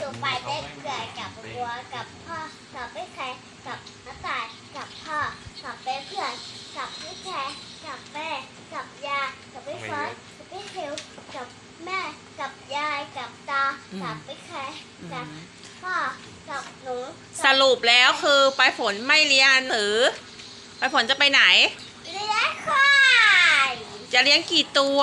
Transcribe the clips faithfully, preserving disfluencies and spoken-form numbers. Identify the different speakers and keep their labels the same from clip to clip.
Speaker 1: ไปได้เกิดกับบัวกับพ่อกับพี่แคร์กับน้าตายกับพ่อกับเพื่อนกับพี่แคร์กับแม่กับยายกับพี่เฟิร์สกับพี่คิวกับแม่กับยายกับตากับพี่แคร์กับพ่อกับหนู
Speaker 2: สรุปแล้วคือไปฝนไม่เรียนหรือไปฝนจะไปไหน
Speaker 1: เลี้ยงควาย
Speaker 2: จะเลี้ยงกี่ตัว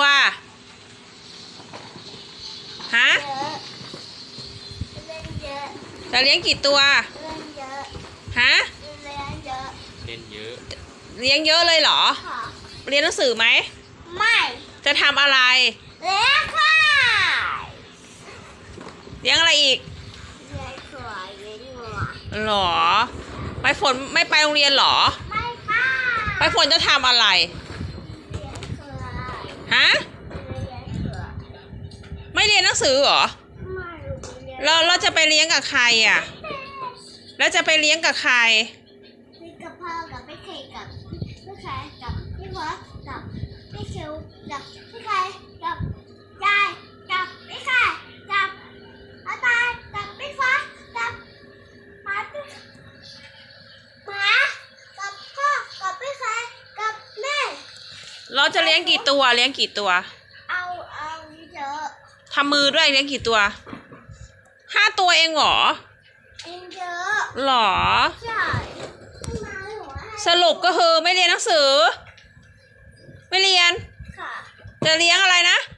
Speaker 2: ฮะ
Speaker 1: เยอะเล่นเยอะ
Speaker 2: จะเลี้ยงกี่ตัว
Speaker 1: เล่นเยอะ
Speaker 2: ฮะ
Speaker 1: เล่นเยอะ
Speaker 3: เล่นเยอะ
Speaker 2: เลี้ยงเยอะเลยเหรอ
Speaker 1: ค่ะ
Speaker 2: เรียนหนังสือไหม
Speaker 1: ไม่
Speaker 2: จะทำอะไร
Speaker 1: เลี้ยงควาย
Speaker 2: เลี้ยงอะไรอีก
Speaker 1: เลี้ยงควายเลี้ยงงัว
Speaker 2: หรอไปฝนไม่ไปโรงเรียนหรอ
Speaker 1: ไม่ค่ะ
Speaker 2: ไปฝนจะทำอะไร
Speaker 1: เลี้ยงควาย
Speaker 2: ฮะ
Speaker 1: เลี้ยงควาย
Speaker 2: ไม่เรียนหนังสือเหรอ
Speaker 1: ไม่เลี้ยง
Speaker 2: เราเราจะไปเลี้ยงกับใครอ่ะแล้วจะไปเลี้ยงกับใคร
Speaker 1: พี่กับพ่อกับพี่เคกับพี่แคร์กับพี่เฟิร์สกับพี่คิวกับพี่แคร์กับยายกับพี่แคร์กับอาตายกับพี่เฟิร์สกับหมาพี่หมากับพ่อกับพี่แคร์กับแม่
Speaker 2: เราจะเลี้ยงกี่ตัวเลี้ยงกี่ตัว
Speaker 1: เอาเอาเยอะ
Speaker 2: ทำมือด้วยเลี้ยงกี่ตัวห้าตัวเองเหรอ
Speaker 1: เองเยอะ
Speaker 2: หรอ
Speaker 1: ใช่
Speaker 2: สรุปก็คือไม่เรียนหนังสือไม่เรียน
Speaker 1: ค่ะ
Speaker 2: จะเลี้ยงอะไรนะ